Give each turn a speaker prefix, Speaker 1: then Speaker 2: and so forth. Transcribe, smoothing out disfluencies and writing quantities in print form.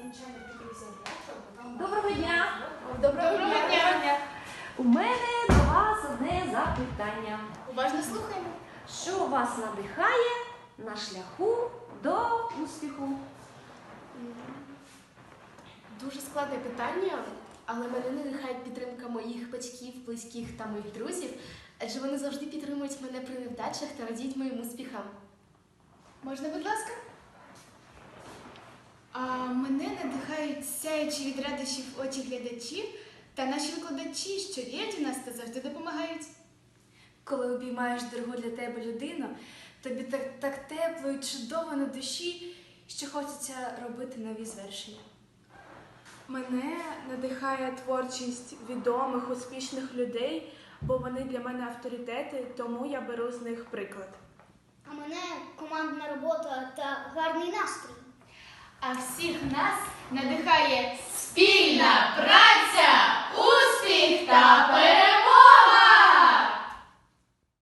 Speaker 1: Доброго дня!
Speaker 2: Доброго дня!
Speaker 1: У мене до вас одне запитання.
Speaker 2: Уважно слухаємо.
Speaker 1: Що вас надихає на шляху до успіху?
Speaker 2: Дуже складне питання, але мене надихає підтримка моїх батьків, близьких та моїх друзів, адже вони завжди підтримують мене при невдачах та радіють моїм успіхам.
Speaker 3: Можна, будь ласка? Мене надихають сяючі від радощів очі глядачів та наші викладачі, що вірять у нас та завжди допомагають.
Speaker 4: Коли обіймаєш дорогу для тебе людину, тобі так тепло і чудово на душі, що хочеться робити нові звершення.
Speaker 5: Мене надихає творчість відомих, успішних людей, бо вони для мене авторитети, тому я беру з них приклад.
Speaker 6: А мене командна робота та гарний настрій.
Speaker 3: А всіх нас надихає спільна праця, успіх та перемога!